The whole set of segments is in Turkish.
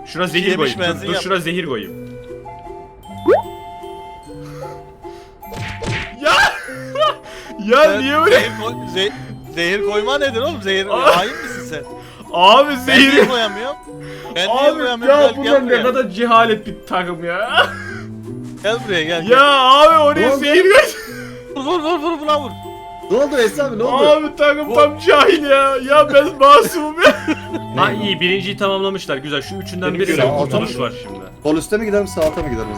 Şuna zehir Yemiş koyayım. benzin Dur yap. şuna zehir koyayım. Ya! Ya Sen niye böyle? Zehir koyma nedir oğlum? Zehir Aa. hain misin sen? Abi Ben zehir. niye koyamıyorum? Ben niye Abi koyamıyorum? ya Gel, bunlar gel ne buraya. kadar cehalet bir takım ya. Gel buraya gel. Ya abi oraya oldu? zehir koy. Vur buna vur. Ne oldu Esra abi ne oldu? Abi takım tam cahil ya. Ya ben masumum ya. Ha iyi birinciyi tamamlamışlar güzel. Şu üçünden Benim birine görevim kurtuluş bu. var şimdi. Sol üstte mi gidelim sağ alta mı gidelim?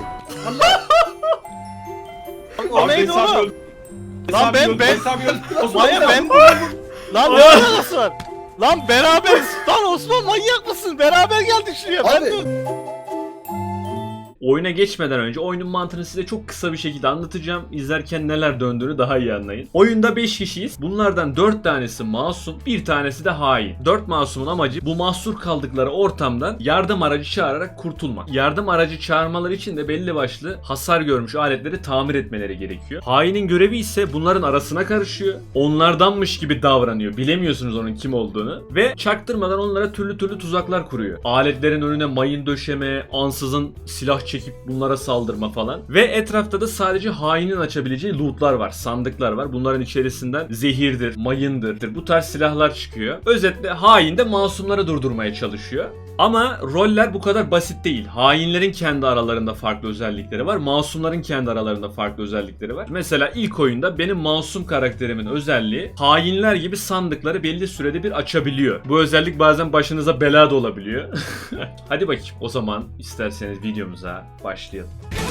O neydi oğlum? Lan ben Maya ben Lan ne Aa. alakası var? Lan beraberiz. Lan Osman manyak mısın? Beraber geldik şuraya. Ben Abi. de... Oyuna geçmeden önce oyunun mantığını size çok kısa bir şekilde anlatacağım. İzlerken neler döndüğünü daha iyi anlayın. Oyunda 5 kişiyiz. Bunlardan 4 tanesi masum, bir tanesi de hain. 4 masumun amacı bu mahsur kaldıkları ortamdan yardım aracı çağırarak kurtulmak. Yardım aracı çağırmaları için de belli başlı hasar görmüş aletleri tamir etmeleri gerekiyor. Hainin görevi ise bunların arasına karışıyor. Onlardanmış gibi davranıyor. Bilemiyorsunuz onun kim olduğunu. Ve çaktırmadan onlara türlü türlü tuzaklar kuruyor. Aletlerin önüne mayın döşeme, ansızın silah çekip bunlara saldırma falan. Ve etrafta da sadece hainin açabileceği lootlar var, sandıklar var. Bunların içerisinden zehirdir, mayındır, bu tarz silahlar çıkıyor. Özetle hain de masumları durdurmaya çalışıyor. Ama roller bu kadar basit değil. Hainlerin kendi aralarında farklı özellikleri var. Masumların kendi aralarında farklı özellikleri var. Mesela ilk oyunda benim masum karakterimin özelliği hainler gibi sandıkları belli sürede bir açabiliyor. Bu özellik bazen başınıza bela da olabiliyor. Hadi bakayım o zaman isterseniz videomuza başlayalım.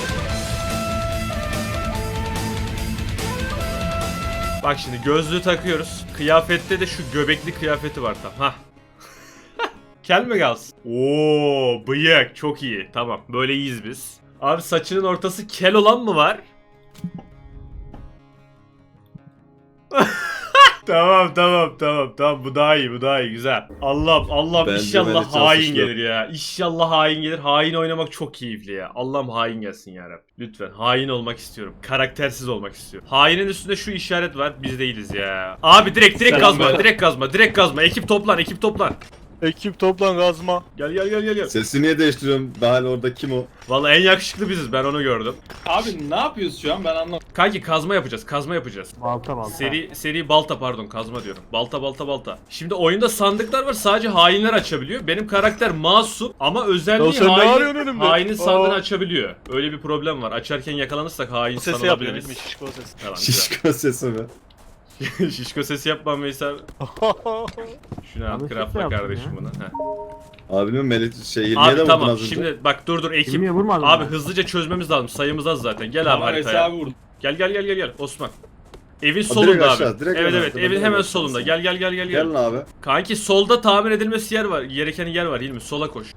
Bak şimdi gözlüğü takıyoruz. Kıyafette de şu göbekli kıyafeti var tam. Hah. Kel mi kalsın? Oo, bıyık çok iyi. Tamam böyle iyiyiz biz. Abi saçının ortası kel olan mı var? Tamam bu daha iyi güzel. Allah'ım Bence inşallah Melih çok hain suçlu. gelir ya. İnşallah hain gelir. Hain oynamak çok keyifli ya. Allah'ım hain gelsin ya Rabbi. Lütfen hain olmak istiyorum. Karaktersiz olmak istiyorum. Hainin üstünde şu işaret var. Biz değiliz ya. Abi direkt Selam kazma. be. Direkt kazma. Ekip toplan. Ekip toplan gazma. Gel. Sesi niye değiştiriyorum? Daha orada kim o? Vallahi en yakışıklı biziz. Ben onu gördüm. Abi ne yapıyoruz şu an ben anlamadım. Kanki kazma yapacağız. Balta. Seri balta pardon kazma diyorum. Balta. Şimdi oyunda sandıklar var sadece hainler açabiliyor. Benim karakter masum ama Ya özelliği sen ne arıyorsun önümde? hainin sandığını Aa. açabiliyor. Öyle bir problem var. Açarken yakalanırsak hain Bu sesi yapıyor değil sanılabiliriz. mi? Şişko sesi. Tamam, güzel. Şişko sesi mi? Şişko sesi yapmam Veysel. Şunu al Abi craftla şişko yaptım kardeşim ya. bunu. Heh. Abinin Melih Hilmiye Abi de vurdun tamam az önce. şimdi bak dur ekip. Hilmiye vurmadın Abi mı? hızlıca çözmemiz lazım. Sayımız az zaten. Gel abi Tamam haritaya. hesabı vurdum. Gel Osman. Evin direkt solunda aşağı, abi. direkt Evet aşağı, evet evin direkt hemen aşağı. solunda. Gel. Gelin abi. Kanki solda tamir edilmesi yer var. Gereken yer var Hilmi. Sola koş.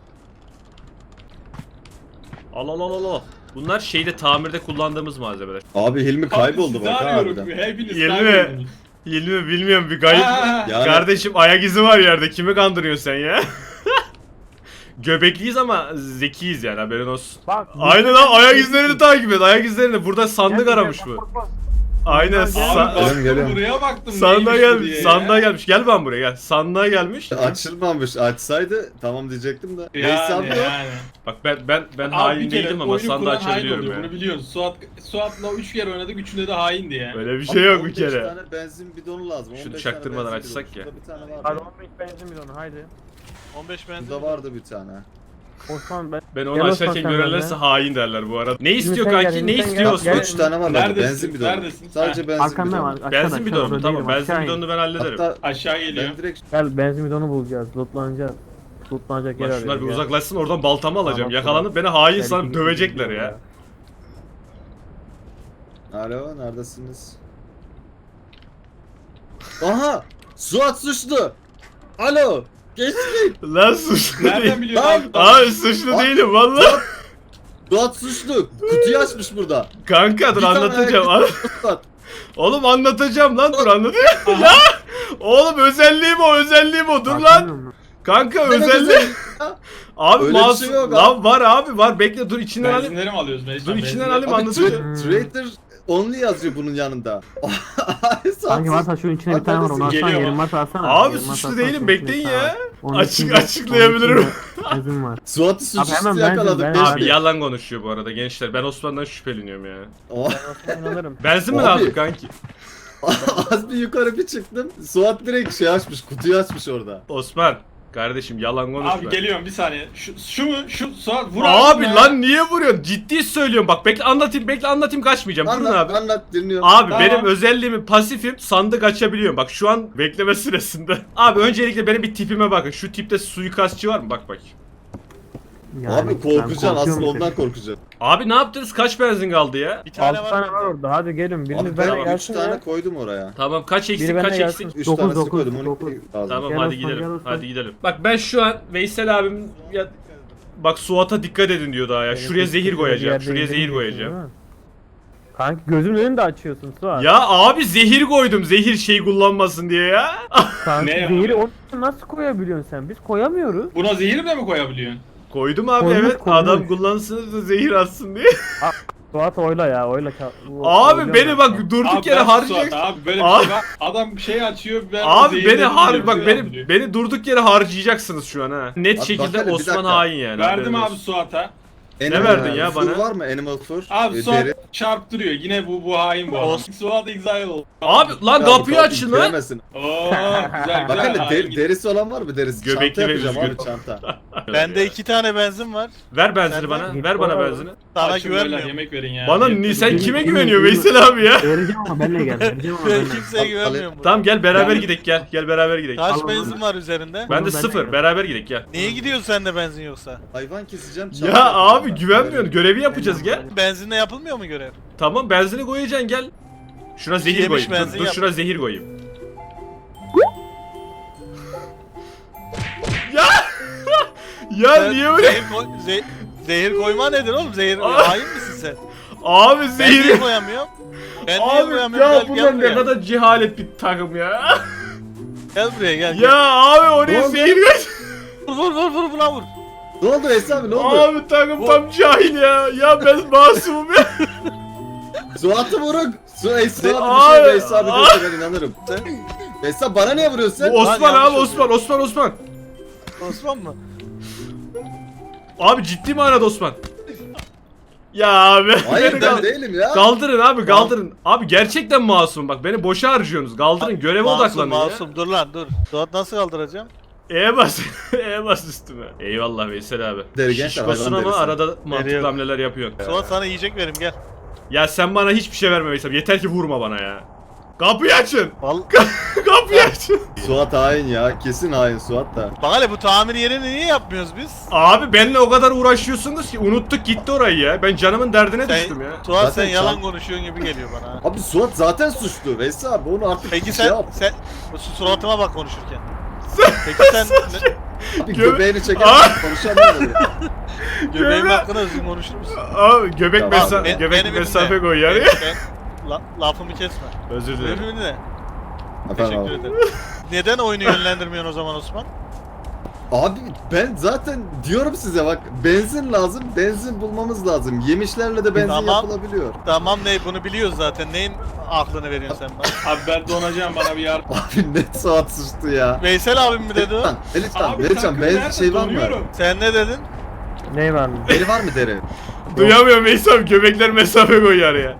Al. Bunlar şeyde tamirde kullandığımız malzemeler. Abi Hilmi kayboldu Abi bak sizi ha arıyorum. harbiden. Hepiniz Hilmi. kayboldunuz. Hilmi bilmiyorum bir kayıp. Yani- Kardeşim ayak izi var yerde. Kimi kandırıyorsun sen ya? Göbekliyiz ama zekiyiz yani haberin olsun. Bak. Aynen lan ayak izlerini takip et. Ayak izlerini. Burada sandık Gel, aramış gel, bu. bak. Aynen. Abi Geliyorum. baktım buraya baktım. Sandığa neymiş bu gelmiş. diye ya. Sandığa gelmiş. Gel ben buraya gel. Sandığa gelmiş. Açılmamış. Açsaydı tamam diyecektim de. Neyse abi yok. Yani. Bak ben Abi hain bir kere değilim ama oyunu sandığı kuran hain açabiliyorum oluyor, ya. Bunu biliyorsun. Suat'la 3 kere oynadık. Üçünde de haindi ya. Öyle bir şey yok bir 15 kere. tane benzin bidonu lazım. Şunu 15 çaktırmadan tane benzin açsak bidonu. ya. Şurada bir tane var. Hadi 15 benzin bidonu haydi. 15 benzin. Burada vardı bir tane. Osman ben. Ben onu Gel açarken Osman sen görürlerse de. hain derler bu arada. Ne istiyor sen gel, kanki? Ne Hilmi sen istiyor gel. Osman? Gel. 3 tane var Neredesin? benzin bidonu. Neredesin? Sadece benzin Arkamda bidonu. var. Aşağıda, Benzin aşağıda, bidonu mu? orada Tamam değilim, benzin aşağı in. bidonunu ben hallederim. Hatta Aşağı geliyor. ben direkt Gel benzin bidonu bulacağız. Lootlanacağız. Lootlanacak yer Lan şunlar bir arıyoruz, gel. uzaklaşsın oradan baltamı alacağım. Tamam, Yakalanıp beni hain Gel, sanıp ikimiz dövecekler gidiyoruz ya. Alo neredesiniz? Aha! Suat suçlu! Alo! Geçtik! Lan suçlu Nereden değil. biliyorsun Lan! abi? Abi suçlu Aa! değilim valla. Suat suçlu! Kutuyu açmış burada. Kanka dur Bir tane anlatacağım. ayak Suat. Oğlum anlatacağım lan dur anlatacağım. Ya! Oğlum özelliğim o dur lan. Arkamda mı? Kanka Ne özelliğim. güzel. Abi Öyle bir masum. şey yok Lan var abi var bekle dur içinden alayım. Benzinleri mi alıyoruz Mecnun? Dur içinden Benzinleri- alayım Abi anlatacağım. Traitor only yazıyor bunun yanında. Sanki varsa şunun içine bir tane var onu alsana Geliyor yerim mu? varsa alsana. Abi Yerim varsa suçlu alsana, değilim, şunun bekleyin içinde bir tane ya. var. Onun Açık- içinde- açıklayabilirim. onun içinde Benzin var. Suat'ı Abi suçüstü hemen yakaladık. ben- beş Abi değil. yalan konuşuyor bu arada gençler. Ben Osman'dan şüpheleniyorum ya. Oh. Ben Osman'a inanırım. Benzin mi Abi. lazım kanki? Az bir yukarı bir çıktım. Suat direkt şey açmış, kutuyu açmış orada. Osman. Kardeşim yalan konuşma. Abi geliyorum bir saniye. Şu mu? Şu Suat vur Abi ya. lan niye vuruyorsun? Ciddi söylüyorum bak. Bekle anlatayım kaçmayacağım. Durun Anlat, abi. anlat dinliyorum. Abi Tamam. benim özelliğimi pasifim, sandık açabiliyorum. Bak şu an bekleme süresinde. Abi öncelikle benim bir tipime bakın. Şu tipte suikastçı var mı? Bak. Yani Abi ben korkacaksın, korkuyorum asıl işte. ondan korkacaksın. Abi ne yaptınız? Kaç benzin kaldı ya? Bir tane 6 tane var var. orada hadi gelin biriniz Abi benimle ben 3 gelsin tane ya. koydum oraya. Tamam kaç eksik Biri kaç benimle eksik? gelsin. 3 Dokuz, tanesi dokuz, koydum, 12 dokuz. lazım. Tamam Gel hadi Osman, gel gidelim. Osman. Hadi gidelim. Bak ben şu an Veysel abim ya bak Suat'a dikkat edin diyor daha ya. Benim Şuraya zehir bir koyacağım. yerde Şuraya zehir indirmiyorsun, koyacağım. değil mi? Kanka gözümün önünde de açıyorsun Suat. Ya abi zehir koydum. Zehir şey kullanmasın diye ya. Kanka Ne zehiri yapıyor? onu nasıl koyabiliyorsun sen? Biz koyamıyoruz. Buna zehir de mi koyabiliyorsun? Koydum abi Koymuş, evet. koymuş. Adam kullansın da zehir atsın diye. Suat oyla ya oyla. Abi beni bak durduk Abi yere ben harcayacaksın. Suat abi böyle Abi- bir şey var. Adam şey açıyor ben Abi zehir beni dedim diyor, bak şey beni yapıyor. beni durduk yere harcayacaksınız şu an ha. Net Abi şekilde bak hele, bir Osman dakika. hain yani. Verdim haberiniz abi olsun. Suat'a. Ne verdin ya fur bana? var mı? Animal fur. Abi Suat deri. çarptırıyor. Yine bu hain bu adam. Suat exile oldu. Abi lan Ya kapıyı bu açın lan. giremezsin. Oo güzel Bak güzel. hele hain gitti. derisi olan var mı derisi? Göbekli Çanta ve yapacağım üzgün. abi çanta. Bende 2 tane benzin var. Ver benzini Sen bana. de- Ver bana Git benzini. Sana Açın böyle, güvenmiyorum. yemek verin ya. Bana Yeter. sen Git- kime git- güveniyor git- Veysel abi ya? Vereceğim ama benle gel. Vereceğim ama Ben benle. kimseye güvenmiyorum burada. Tamam gel beraber Ben- gidelim gel. Gel beraber gidelim. Kaç Al, benzin al. var üzerinde? Ben de Ben sıfır. de- Beraber gidelim gel. Niye gidiyorsun sende benzin yoksa? Hayvan keseceğim. çanta Ya yapacağım abi ben. güvenmiyorsun. Görevi yapacağız gel. Benzinle yapılmıyor mu görev? Tamam benzini koyacaksın gel. Şuna zehir Yemiş koyayım. benzin Dur yap. şuna zehir koyayım. Ya! Ya Sen niye öyle? zehir koyma nedir oğlum? Zehir Aa. hain misin sen? Abi Ben niye zehir. koyamıyorum? Ben niye Abi koyamıyorum? ya Gel, bunlar gel ne buraya. kadar cehalet bir takım ya. Gel buraya gel. Ya abi Ne oraya oldu? zehir koy. Vur buna vur. Ne oldu Veysel abi ne oldu? Abi takım tam cahil ya. Ya ben masumum ya. Suat'ı vurun. Veysel abi Abi, bir şey Veysel abi abi. diyorsa ben inanırım. Sen Bana niye vuruyorsun sen? Bu Osman Lan abi yanlış Osman. Osman mı? Abi ciddi manada Osman. Ya abi. Hayır beni ben kal- değilim ya. Kaldırın abi kaldırın. Abi gerçekten masum bak beni boşa harcıyorsunuz. Kaldırın göreve odaklanın ya. Masum dur lan dur. Suat nasıl kaldıracağım? E'ye bas. E'ye bas üstüme. Eyvallah Veysel abi. Deri gençler, Şişkosun hayvan ama derisi. arada mantıklı Veriyorum. hamleler yapıyorsun. Suat sana yiyecek verim gel. Ya sen bana hiçbir şey verme Veysel. Yeter ki vurma bana ya. Kapıyı açın. Vallahi Kapıyı açın. Suat hain ya. Kesin hain Suat da. bak hele bu tamir yerini niye yapmıyoruz biz? Abi benimle o kadar uğraşıyorsunuz ki unuttuk gitti orayı ya. Ben canımın derdine Sen, düştüm ya. Suat Zaten sen yalan çal- konuşuyorsun gibi geliyor bana. ha. Abi Suat zaten suçlu. Veysel abi onu artık Peki şey sen yap. bu suratıma bak konuşurken. Peki sen Abi Gö- göbeğini çeker Aa! konuşamıyorum. göbeğim Göbe- hakkında düzgün konuşur musun? Abi göbek, Tamam, göbek beni mesafe dinle. koy yani. Lafımı kesme. Özür dilerim. Beni dinle. Efendim Teşekkür abi. ederim. Neden oyunu yönlendirmiyorsun o zaman Osman? Abi ben zaten diyorum size bak benzin lazım. Benzin bulmamız lazım. Yemişlerle de benzin Tamam. yapılabiliyor. Tamam ne bunu biliyoruz zaten. Neyin aklını veriyorsun sen bana? Abi ben donacağım bana bir yardım. Abi net Suat suçlu ya. Veysel abim mi dedi o? Melihcan, Abi Melihcan takım benzin nerede? şey var mı? Donuyorum. Sen ne dedin? Ney var mı? Deri var mı deri? Duyamıyorum Veysel abi göbekler mesafe koy araya.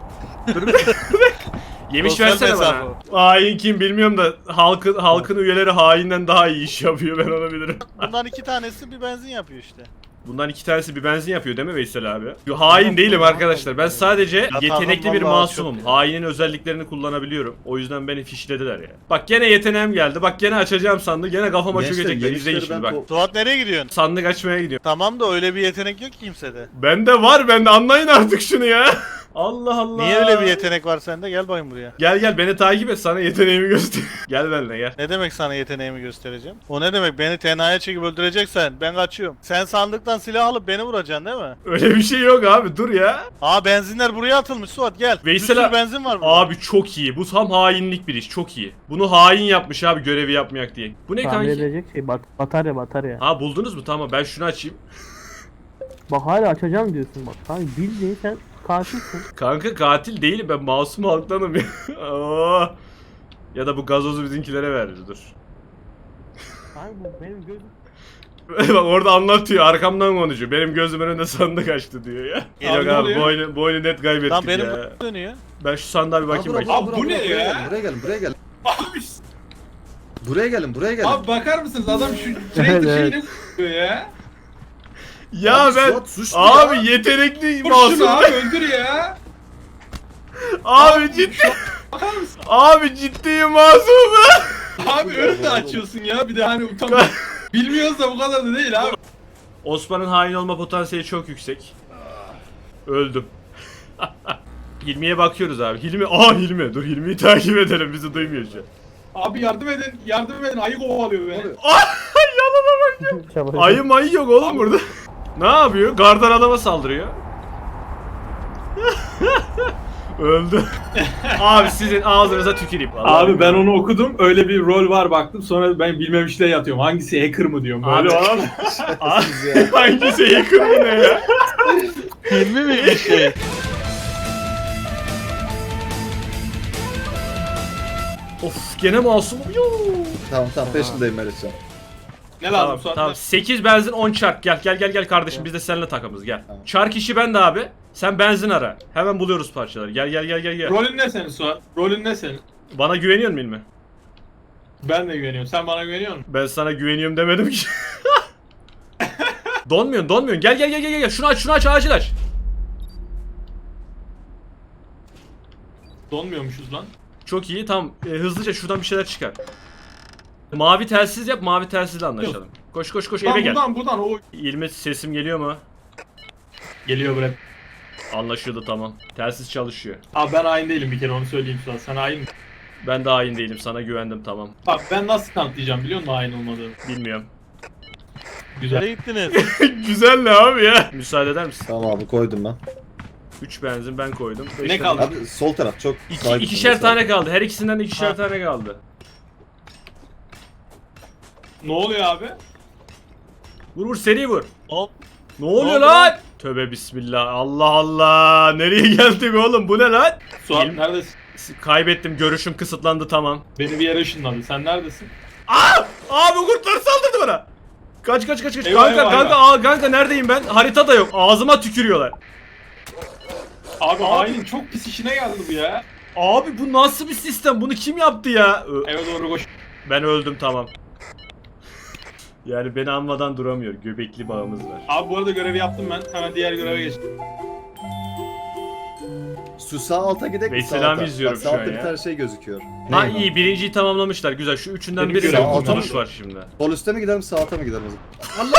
Yemiş Sosyal versene mesafe bana. Hain kim bilmiyorum da halkın üyeleri hainden daha iyi iş yapıyor ben onu bilirim. Bundan 2 tanesi bir benzin yapıyor işte. Bundan 2 tanesi bir benzin yapıyor değil mi Veysel abi? Yo, hain değilim arkadaşlar. Ben sadece yetenekli bir vallahi masumum. çok ya. Hainin özelliklerini kullanabiliyorum. O yüzden beni fişlediler ya. Bak gene yeteneğim geldi. Bak gene açacağım sandığı. Gene kafama Gençler, çökecekler. İzleyin yemişleri şimdi ben bak. Suat nereye gidiyorsun? Sandık açmaya gidiyorum. Tamam da öyle bir yetenek yok ki kimsede. Bende var bende anlayın artık şunu ya. Allah Allah. Niye öyle bir yetenek var sende? Gel bakayım buraya. Gel beni takip et sana yeteneğimi göster. Gel benimle gel. Ne demek sana yeteneğimi göstereceğim? O ne demek? Beni tenhaya çekip öldüreceksen ben kaçıyorum. Sen sandıktan silah alıp beni vuracaksın değil mi? Öyle bir şey yok abi dur ya. Aa benzinler buraya atılmış Suat gel. Veysel bir sürü abi- benzin var burada. Abi çok iyi. Bu tam hainlik bir iş. Çok iyi. Bunu hain yapmış abi görevi yapmayak diye. Bu ne Tamir kanki? edecek şey batarya. Ha buldunuz mu? Tamam ben şunu açayım. Bak hala açacağım diyorsun bak. Kanka bildiğin sen katilsin. Kanka katil değilim, ben masum halktanım ya. Aa. Ya da bu gazozu bizimkilere verdi, dur. Abi bu benim gözüm. Bak orada anlatıyor, arkamdan konuşuyor. Benim gözümün önünde sandık açtı diyor ya. Abi Yok ne abi, oluyor? bu oyunu net kaybettik Lan benim ya. dönüyor. Ben şu sandığa bir bakayım Abi, bakayım. Abi bu ne buraya ya? gelin, buraya gelin, buraya gelin. Abi, Buraya gelin. abi bakar mısınız adam şu sürekli şeyini koyuyor ya. Ya Abi, ben Suat suçlu abi ya. yetenekli Vur masum. şunu abi öldür ya. Abi ciddi. Bakar mısın? Abi ciddiyim masum. Abi önünde açıyorsun ya bir de hani utanma. Bilmiyoruz da bu kadar da değil abi. Osman'ın hain olma potansiyeli çok yüksek. Öldüm. Hilmi'ye bakıyoruz abi. Hilmi. Dur Hilmi'yi takip edelim, bizi duymuyor şu an. Abi yardım edin ayı kovalıyor beni. Yanına bak ya. Ayı mayı yok oğlum burada. Ne yapıyor? Gardan adama saldırıyor. Öldü. Abi sizin ağzınıza tüküreyim. Vallahi Abi ben onu okudum öyle bir rol var baktım sonra ben bilmemişle yatıyorum. Hangisi hacker mı diyorum böyle Abi. olan. Abi, hangisi yakın mı ne ya? Hilmi mi bir şey? Of gene masumum. Yoo. Tamam peşindeyim Melihcan. Ne lazım Tamam, Suat? tamam. 8 benzin 10 çark. Gel kardeşim, biz de seninle takımız gel. Tamam. Çark işi bende abi. Sen benzin ara. Hemen buluyoruz parçaları. Gel. Rolün ne senin Suat? Rolün ne senin? Bana güveniyor musun İlmi? Ben de güveniyorum. Sen bana güveniyor musun? Ben sana güveniyorum demedim ki. Donmuyorsun. Gel. Şunu aç, acil aç. Donmuyormuşuz lan. Çok iyi, tamam. Hızlıca şuradan bir şeyler çıkar. Mavi telsiz yap, mavi telsizle anlaşalım. Koş eve gel. Buradan o İlmi sesim geliyor mu? geliyor buraya. Anlaşıldı, tamam. Telsiz çalışıyor. Abi ben hain değilim bir kere onu söyleyeyim Suat. Sen hain misin? Ben de hain değilim, sana güvendim, tamam. Bak ben nasıl kanıtlayacağım biliyor musun hain olmadığını? Bilmiyorum. Güzel. Nereye gittiniz? Güzel ne abi ya? Müsaade eder misin? Tamam abi koydum ben. 3 benzin ben koydum. Ne kaldı? Abi sol taraf çok sahip İkişer olması tane kaldı. Her ikisinden de ikişer Ha. tane kaldı. Ne oluyor abi? Vur seri vur. Hop. Ne oluyor oldu? lan? Tövbe bismillah. Allah. Nereye geldik oğlum? Bu ne lan? Suat Benim- neredesin? Kaybettim. Görüşüm kısıtlandı, tamam. Beni bir yere ışınladı. Sen neredesin? Abi kurtlar saldırdı bana. Kaç. Eyvah, Kanka neredeyim ben? Harita da yok. Ağzıma tükürüyorlar. Abi hainin çok pis işine geldi bu ya. Abi bu nasıl bir sistem? Bunu kim yaptı ya? Eve doğru koş. Ben öldüm, tamam. Yani beni anmadan duramıyor. Göbekli bağımız var. Abi bu arada görevi yaptım ben. Hemen diğer göreve geçtim. Şu sağ alta gidelim. Veysel abi izliyorum Bak, şu sağ an altta ya. bir tane şey gözüküyor. Ha Ne? iyi, birinciyi tamamlamışlar. Güzel. Şu üçünden Benim biri görevim de bu. kurtuluş var şimdi. Sol üstte mi gidelim sağ alta mı gidelim o zaman?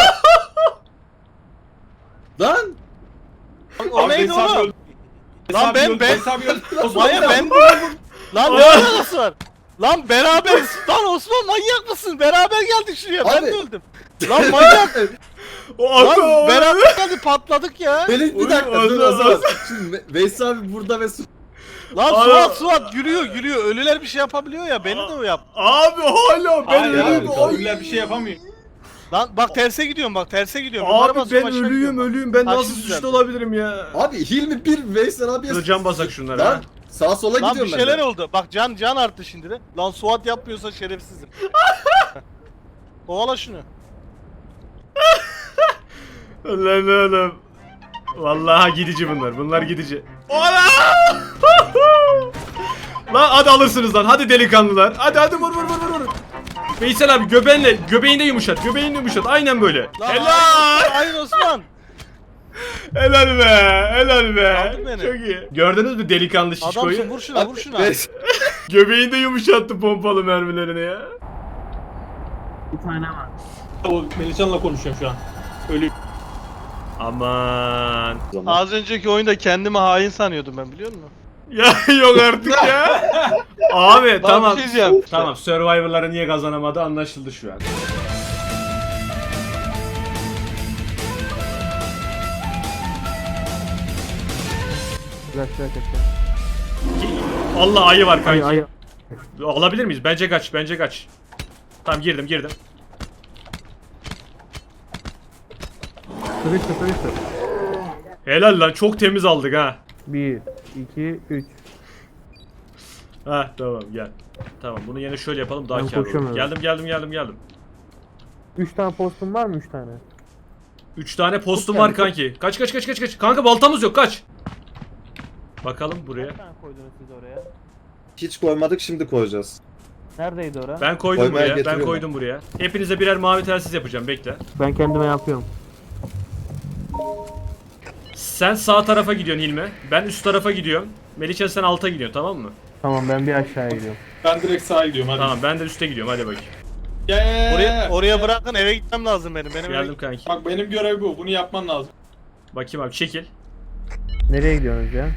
Lan! O neydi Veysel abi oğlum? öldü. Lan Veysel abi ben- öldü. Veysel abi öldü. Osman Maya öldü. ben... Lan ne alakası var? Lan beraberiz. Lan Osman manyak mısın? Beraber geldik şuraya. Ben Abi. de öldüm. Lan manyak. O Lan beraber geldik patladık ya. Melih bir Oğlum, dakika dur o az- zaman. Şimdi Veysel abi burada ve Lan Aa. Suat gülüyor. Ölüler bir şey yapabiliyor ya. Beni de o yap. Abi hala ben Hayır ölüyüm. abi. Ölüler bir şey yapamıyor. Lan bak terse gidiyorum. Yukarı Abi basıyorum, ben aşağı gidiyorum. ölüyüm. Ben Ha, nasıl şimdi suçlu düzeldi. olabilirim ya? Abi Hilmi bir Veysel abiye... Dur, can basak şunlara, ha. Lan sağa sola Lan bir gidiyorum ben şeyler de. oldu. Bak can arttı şimdi de. Lan Suat yapmıyorsa şerefsizim. Kovala şunu. Lan oğlum. Vallahi gidici bunlar. Bunlar gidici. Ola! Lan hadi alırsınız lan. Hadi delikanlılar. Hadi vur. Veysel abi göbeğinde yumuşat. Aynen böyle. Lan Helal. Hayır Osman. Helal be. Aldın beni. Çok iyi. Gördünüz mü delikanlı şişkoyu? Adamsın vur şuna vur şuna. Veysel- Göbeğinde yumuşattı pompalı mermilerini ya. Bir tane var. O Melihcan'la konuşuyorum şu an. Ölü. Aman. Az önceki oyunda kendimi hain sanıyordum ben biliyor musun? Ya yok artık ya. Abi tamam. Bir şey diyeceğim. Tamam, Survivor'ları niye kazanamadı anlaşıldı şu an. Güzel. Allah ayı var kanki. Ayı. Alabilir miyiz? Bence kaç. Tamam girdim. Sıvıştı. Helal lan, çok temiz aldık ha. 1, 2, 3. Ha tamam gel. Tamam bunu yine şöyle yapalım daha Ben kârlı olur. koşuyorum Geldim. 3 tane postum var mı 3 tane? 3 tane postum Çok var geldi, kanki. Kaç. Kanka baltamız yok kaç. Bakalım buraya. Kaç tane koydunuz siz oraya? Hiç koymadık, şimdi koyacağız. Neredeydi ora? Ben koydum Koymaya buraya. Ben getiriyorum. koydum buraya. Hepinize birer mavi telsiz yapacağım bekle. Ben kendime yapıyorum. Sen sağ tarafa gidiyorsun Hilmi. Ben üst tarafa gidiyorum. Melihcan sen alta gidiyorsun tamam mı? Tamam ben bir aşağıya gidiyorum. Ben direkt sağa gidiyorum hadi. Tamam ben de üste gidiyorum hadi bakayım. Oraya bırakın, eve gitmem lazım benim. Benim eve Geldim kanki. Bak benim görev bu. Bunu yapman lazım. Bakayım abi çekil. Nereye gidiyorsunuz ya?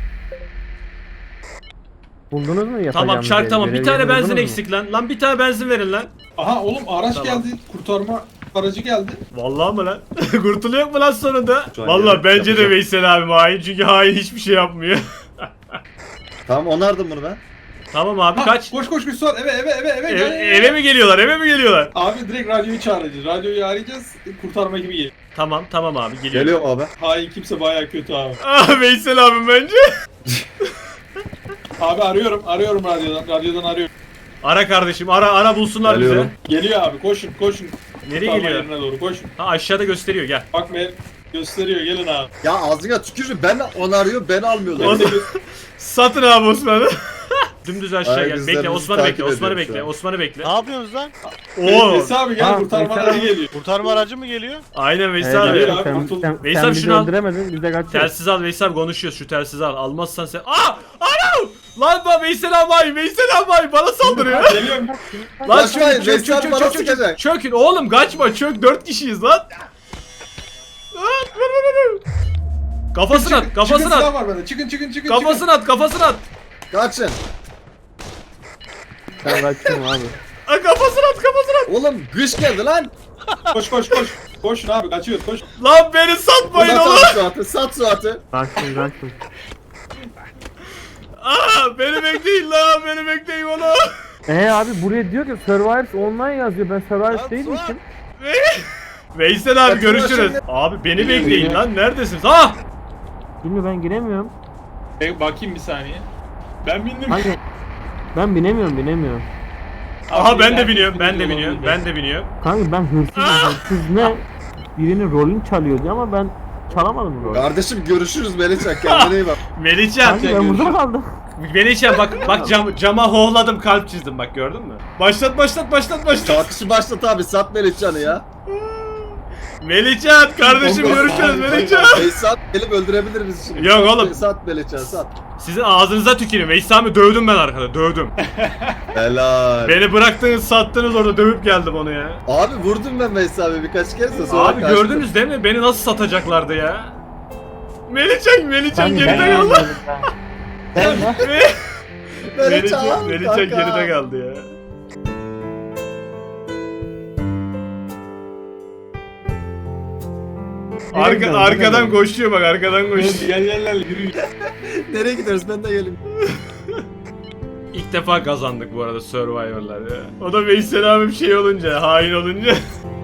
Buldunuz mu yapacağımız Tamam çark yeri? tamam. Bir Görev tane yerini benzin buldunuz mu? eksik lan. Lan bir tane benzin verin lan. Aha oğlum araç Tamam. geldi. Kurtarma aracı geldi. Vallahi mı lan? Kurtuluyor mu lan sonunda? Şu an Vallahi yarın bence de yapacağım. Veysel abi hain çünkü hain hiçbir şey yapmıyor. Tamam, onardım bunu ben. Tamam abi Ha, kaç. Koş Suat eve gel. Eve mi geliyorlar? Eve mi geliyorlar? Abi direkt radyoyu çağıracağız. Radyoyu arayacağız. Kurtarma gibi geliyor. Tamam abi geliyor. Geliyorum abi. Hain kimse bayağı kötü abi. Ah Veysel abim bence. Abi arıyorum radyodan. Radyodan arıyorum. Ara kardeşim ara bulsunlar Geliyorum. Geliyor abi koşun. Nereye Kurtarma geliyor? yerine doğru koşun. Ha aşağıda gösteriyor gel. Bak be gösteriyor gelin abi. Ya ağzına tükürün, ben onarıyor, beni almıyorlar. Osman- Satın abi Osman'ı. Dümdüz aşağı Ay, gel. bizler Bekle bizi Osman'ı takip bekle. Osman'ı ediyor şu bekle. an. Osman'ı bekle. Ne yapıyorsunuz lan? Oo. Neyse abi gel Ha, kurtarma mesela- aracı geliyor. Kurtarma aracı mı geliyor? Aynen Veysel Evet, abi. geliyor. sen, kurtul. sen, Veysel, sen bizi şunu al. öldüremedin biz de kaçıyoruz. Telsiz al Veysel abi konuşuyoruz şu telsizi al. Almazsan sen. Aa! Ana! Lan bak Veysel abi bana saldırıyor. Geliyorum. Lan Kaçmayın, çök Veysel bana sıkacak. çökün oğlum kaçma çök 4 kişiyiz lan. Lan, vur. Kafasını at Çıkın, silah var bende. Çıkın. kafasını at. Kaçın. Ben kaçıyorum abi. Kafasını at. Oğlum güç geldi lan. Koş. Koşun abi kaçıyoruz koş. Lan beni satmayın Uzat oğlum. abi Suat'ı, sat Suat'ı. Kaçtım. Aa beni bekleyin oğlum. Abi buraya diyor ki Survivors online yazıyor. Ben Survivors değilmişim. Veysel abi Kaçın görüşürüz. şimdi. Abi beni bekleyin lan neredesiniz? Ah! Şimdi ben giremiyorum. Bakayım bir saniye. Ben bindim. Hani ben binemiyorum. Aha ben de Abi, biniyorum. olabilir. Ben de biniyorum. Kanka ben hırsız ne? Birinin rolünü çalıyor diye ama ben çalamadım rolü. Kardeşim görüşürüz Melihcan, kendine iyi bak. Melihcan. Kanka ben burada kaldım. Melihcan bak cama hohladım kalp çizdim bak gördün mü? Başlat. Tartışı başlat abi, sat Melihcan'ı ya. Melihcan kardeşim görüşürüz Melihcan. Veysel gelip öldürebilir bizi şimdi. Yok oğlum. Sat Melihcan, sat. Sizin ağzınıza tüküreyim. Veysel abi dövdüm ben arkada dövdüm. Helal. Beni bıraktınız sattınız orada dövüp geldim onu ya. Abi vurdum ben Veysel abi birkaç kez de sonra Abi kaçtım. gördünüz değil mi? Beni nasıl satacaklardı ya? Melihcan Ben geride kaldı. anlamadım ben. Melihcan, Melihcan kanka. geride kaldı ya. Arkadan koşuyor bak arkadan koşuyor. Gel yürü. Nereye gidiyoruz, ben de geleyim. İlk defa kazandık bu arada Survivor'lar ya. O da Veysel abim şey olunca, hain olunca.